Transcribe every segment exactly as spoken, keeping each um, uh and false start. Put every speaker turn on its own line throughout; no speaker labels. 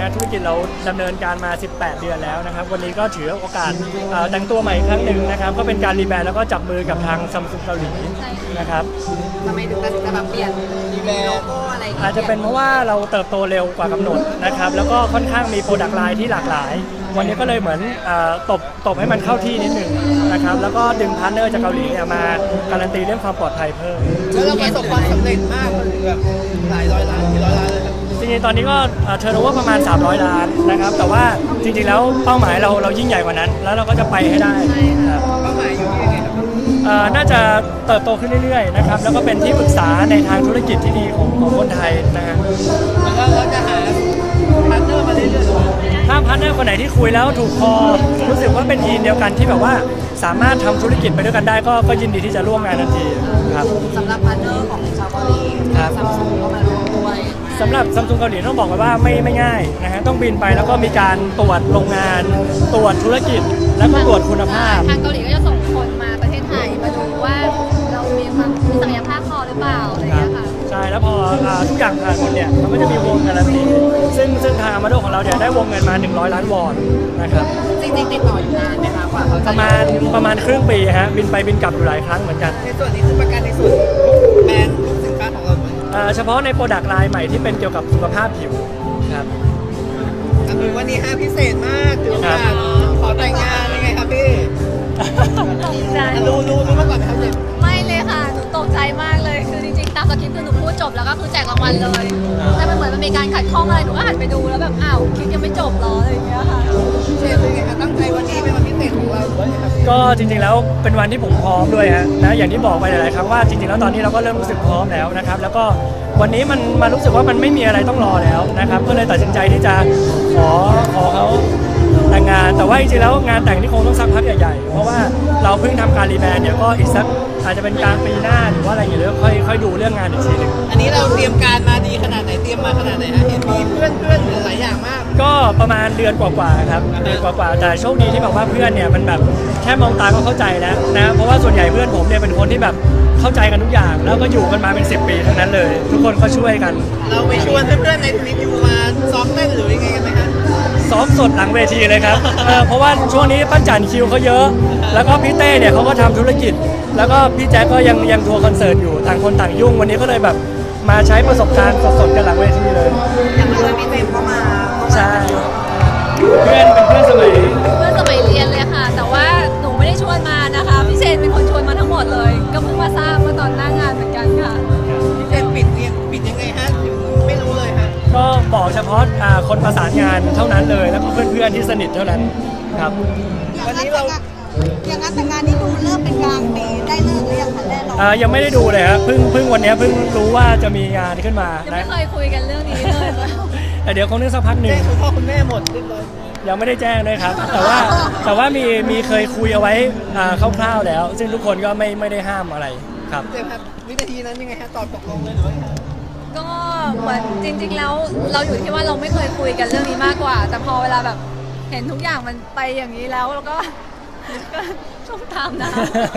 ธุรกิจเราดำเนินการมาสิบแปดเดือนแล้วนะครับวันนี้ก็ถือโอกาสแต่งตัวใหม่อีกครั้งหนึ่งนะครับก็เป็นการรีแบรนด์แล้วก็จับมือกับทางซัมซุงเกาหลีนะครับ
ทำไมถึงตัดสินใจแบบเปลี่ยนรีแบรนด์โลโก้อะไร
อาจจะเป็นเพราะว่าเราเติบโตเร็วกว่ากำหนดนะครับแล้วก็ค่อนข้างมีโปรดักต์ไลน์ที่หลากหลายวันนี้ก็เลยเหมือนตบตบให้มันเข้าที่นิดนึงนะครับแล้วก็ดึงพาร์ทเนอร์จากเกาหลีเนี่ยมาการันตีเรื่องความปลอดภัยเพิ่ม
แล้วเราประสบความสำเร็จมากแบบหลายร้อยล้านกี่ร้อยล้านเลยครับ
จริงๆตอนนี้ก็เทอร์โนเวอร์ประมาณสามร้อยล้านนะครับแต่ว่าจริงๆแล้วเป้าหมายเราเรายิ่งใหญ่กว่านั้นแล้วเราก็จะไปให้ได้ครับ
เป้าหมายอยู่ที่ยังไงครับ
น่าจะเติบโตขึ้นเรื่อยๆนะครับแล้วก็เป็นที่ปรึกษาในทางธุรกิจที่ดีของของคนไทยนะฮะ
แล้วก็เราจะหาพาร์ทเนอร์มาเรื่อยๆ
ถ้าพาร์ทเนอร์คนไหนที่คุยแล้วถูกคอรู้สึกว่าเป็นยีนเดียวกันที่แบบว่าสามารถทำธุรกิจไปด้วยกันได้ก็ก็ยินดีที่จะร่วมงานทันทีครับ
สำหรับพาร์ทเนอร์ของชาวเกาหลีซัมซุงก็มาร่วมด้วย
สำหรับซัมซุงเกาหลีต้องบอกไว้ว่าไม่ไม่ง่ายนะฮะต้องบินไปแล้วก็มีการตรวจโรงงานตรวจธุรกิจแล้วก็ตรวจคุณภาพ
ทางเกาหลีก็จะส่งคนมาประเทศไทยมาดูว่าเรามีความมีศักยภาพพอหรือเปล่าอะไรอย่างเงี้ยค่ะ
ใช่แล้วพอทุกอย่างผ่านหมดเนี่ยมันก็จะมีวงการันตีซึ่งซึ่งทางอามาโดของเราเนี่ยได้วงเงินมาหนึ่งร้อยล้านวอนนะครับ
จริงๆติดต่ออยู่นานไหมคะกว่าเขาจะ
ประมาณประมาณครึ่งปีฮะบินไปบินกลับอยู่หลายครั้งเหมือนกัน
ในส่วนนี้คือประกันในส่วนแบรนด์ลูกสินค้าของเรา
เฉพาะในโปรดักต์ไลน์ใหม่ที่เป็นเกี่ยวกับสุขภาพผิวครับ
วันนี้ฮะพิเศษมากถือว่าขอแต่งงานยังไงครับพี่รู้รู้รู้มาก่อนไหมครับเจม
ไม่เลยค่ะหนูตกใจมากเลยคือจริงๆตามสคริปต์คือหนูพูดจบแล้วก็คือแจกรางวัลเลยแต่มันเหมือนมันมีการขัดข้องอะไรหนูก็หันไปดูแล้วแบบอ้าวคลิปยังไม่จบหรออะไรอย่างเงี้ยค่ะ
เชฟเป็นไงคะตั้งใจวันนี้เป็นวันพิเศษของเราด้วยครับ
ก็จริงๆแล้วเป็นวันที่ผมพร้อมด้วยฮะนะอย่างที่บอกไปหลายๆครั้งว่าจริงๆแล้วตอนนี้เราก็เริ่มรู้สึกพร้อมแล้วนะครับแล้วก็วันนี้มันมารู้สึกว่ามันไม่มีอะไรต้องรอแล้วนะครับก็เลยตัดสินใจที่จะขอขอเขาแต่งงานแต่ว่าจริงๆแล้วงานแต่งนี่คงต้องสักพักใหญ่ๆเพราะว่าเราเพิ่งทำการรีแบรนด์เนี่ยก็อีกสักอาจจะเป็นกลางปีหน้าหรือว่าอะไรอย่างเงี้ยค่อยค่อยดูเรื่องงานอีกทีนึง
อันนี้เราเตรียมการมาดีขนาดไหนเตรียมมาขนาดไหนฮะเห็นมีเพื่อนเพื่อนหลายอย่างมาก
ก็ประมาณเดือนกว่าๆครับเดือนกว่าๆแต่โชคดีที่แบบว่าเพื่อนเนี่ยมันแบบแค่มองตาก็เข้าใจแล้วนะเพราะว่าส่วนใหญ่เพื่อนผมเนี่ยเป็นคนที่แบบเข้าใจกันทุกอย่างแล้วก็อยู่กันมาเป็นสิบปีทั้งนั้นเลยทุกคนก็ช่วยกัน
เราไปชวนเพื่อนๆในทวิตยูมาซ้อมเต้นหรือยังไงกันไหมคะ
ซ้อมสดหลังเวทีเลยครับ เออเพราะว่าช่วงนี้ปั้นจันคิวเขาเยอะแล้วก็พี่เต้เนี่ยเขาก็ทำธุรกิจแล้วก็พี่แจ๊คก็ยังยังทัวร์คอนเสิร์ตอยู่ต่างคนต่างยุ่งวันนี้ก็เลยแบบมาใช้ประสบการณ์สดๆกันหลังเวทีเลย
อย่างเมื่อกี้พี่เต้เข้ามา
ใช่เพื่อนเป็นเพื่อนสมัย
เพื่อนสมัยเรียนเลยค่ะแต่ว่าหนูไม่ได้ชวนมานะคะพี่เชนเป็นคนชวนมาทั้งหมดเลยก็เพิ่งมาทราบเมื่อตอนหน้างานเหมือนกันค่ะ
พี่เชนปิดเรียนปิดยังไงฮะไม่รู้เลยฮะ
ก็บอกเฉพาะคนประสานงานเท่านั้นเลยแล้วก็เพื่อนๆที่สนิทเท่านั้นครับ
วันนี้เรา
อย่างนั้นแต่งานนี้ดูเริ่มเป็นกลางปีได้เลิกหรือยังคะแน่นอน
ยังไม่ได้ดูเลยครับเพิ่งเพิ่งวันนี้เพิ่งรู้ว่าจะมีงานขึ้นมา
ยังไม่เคยคุยกันเรื่องนี้เลย
แต่เดี๋ยวคงนึกสักพักหนึ่ง
คุณพ่อคุณแม่หมดเรียบร้อย
ยังไม่ได้แจ้งด้วยครับแต่ว่าแต่ว่ามีมีเคยคุยเอาไว้คร่าวๆแล้วซึ่งทุกคนก็ไม่ไม่ได้ห้ามอะไรครับ
เจมส์ครับวินาทีนั้นยังไงฮะตอบตกลงเลยหรือว่า
ก็เหมือนจริงๆแล้วเราอยู่ที่ว่าเราไม่เคยคุยกันเรื่องนี้มากกว่าแต่พอเวลาแบบเห็นทุกอย่างมันไปอย่างนี้แล้วแล้วก็ช่วงตามนะ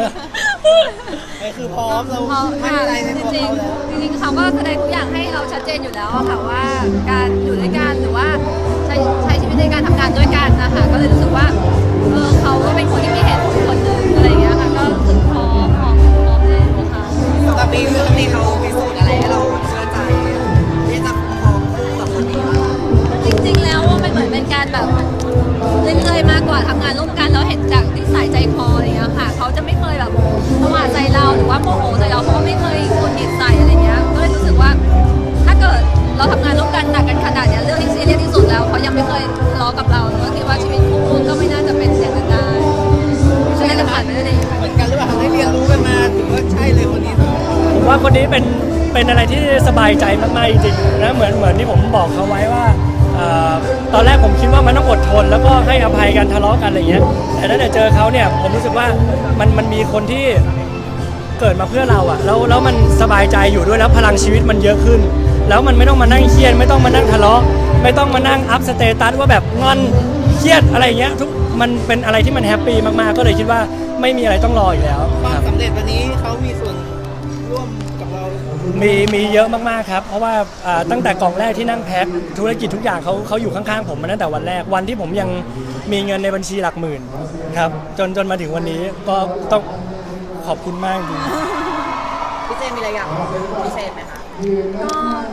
คือพร้อมเรา
ไม่อะไรในตัวเขาแล้วจริงๆเขาก็แสดงทุกอย่างให้เราชัดเจนอยู่แล้วค่ะว่าการอยู่ด้วยกันหรือว่าใช้ใช้ชีวิตในการทำงานด้วยกันนะคะก็เลยรู้สึกว่าเออเขาก็เป็นคนที่มีเหตุผลคนหนึ่งอะไรอย่างเงี้ยค่ะก็รู้สึกพร้อมพร้อมพร้อมเลยนะคะ
ตอนนี้เรื่องนี้เขาพิสูจน์อะไรให้เราเชื่อใจที่จะพร้อมกับคนนี้
จริงๆแล้วมันเหมือนเป็นการแบบเรื่อยๆมากกว่าทำงานร่วมกันแล้วเห็นจากนิสัยใจคออะไรอย่างเงี้ยค่ะเขาจะไม่เคยแบบประมาทใจเราหรือว่าโมโหใจเราเขาก็ไม่เคยกดจิตใส่อะไรเงี้ยก็เลยรู้สึกว่าถ้าเกิดเราทำงานร่วมกันหนักกันขนาดเนี้ยเรื่องที่ซีเรียสที่สุดแล้วเขายังไม่เคยทะเลาะกับเราก็คิดว่าชีวิตคู่ก็ไม่น่าจะเป็นอย่างนั้นได้ใช่จะผ่านไปได้ดี
เหมือนกันหรือเปล่าได้เรียนรู้กันมาถือว่าใช่เลยคนนี้
ผมว่าคนนี้เป็นเป็นอะไรที่สบายใจมากๆจริงๆนะเหมือนเหมือนที่ผมบอกเขาไว้ว่าตอนแรกผมคิดว่ามันต้องอดทนแล้วก็ให้อภัยกันทะเลาะกันอะไรเงี้ยแต่ถ้าเจอเขาเนี่ยผมรู้สึกว่ามันมันมีคนที่เกิดมาเพื่อเราอะแล้วแล้วมันสบายใจอยู่ด้วยแล้วพลังชีวิตมันเยอะขึ้นแล้วมันไม่ต้องมานั่งเครียดไม่ต้องมานั่งทะเลาะไม่ต้องมานั่งอัพสเตตัสว่าแบบงอนเครียดอะไรเงี้ยทุกมันเป็นอะไรที่มันแฮปปี้มากๆก็เลยคิดว่าไม่มีอะไรต้องรออยู่แล้ว
ความสำเร็จวันนี้เขามีส่วนร่วมกับเรา
มีมีเยอะมากๆครับเพราะว่าอ่าตั้งแต่กล่องแรกที่นั่งแพ็คธุรกิจทุกอย่างเขาเขาอยู่ข้างๆผมมาตั้งแต่วันแรกวันที่ผมยังมีเงินในบัญชีหลักหมื่นครับจนจนมาถึงวันนี้ก็ต้องขอบคุณมากจริง
พี่เจมีอะไรอยากบอกพิเศษไหมคะ
ก็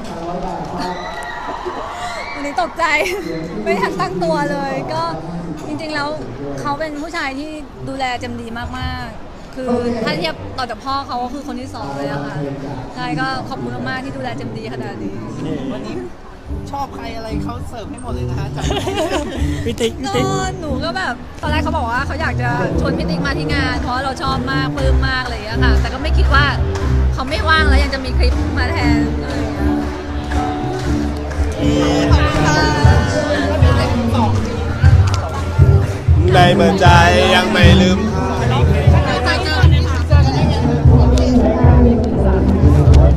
วันนี้ตกใจ ไม่ทันตั้งตัวเลย ก็จริงๆแล้วเขาเป็นผู้ชายที่ดูแลเจมดีมากๆ คือถ้าเทียบต่อจากพ่อเขาก็คือคนที่สองเลยอะค่ะใช่ก็ขอบคุณมากๆที่ดูแลเจมดีขนาดนี้
วันนี้ชอบใครอะไรเขาเสิร์ฟให้หมดเลยนะคะจาก
พี่ติ๊กพี่
ก็
ติ๊ก
หนูก็แบบตอนแรกเขาบอกว่าเขาอยากจะชวนพี่ติ๊กมาที่งาน เพราะเราชอบมากปลื้มมากอะไรอย่างเงี้ยค่ะ แต่ก็ไม่คิดว่าเขาไม่ว่างแล้วยังจะมีคลิปมาแทนอะไรอย่างเงี้ย
ในเมื่อใจยังไม่ลื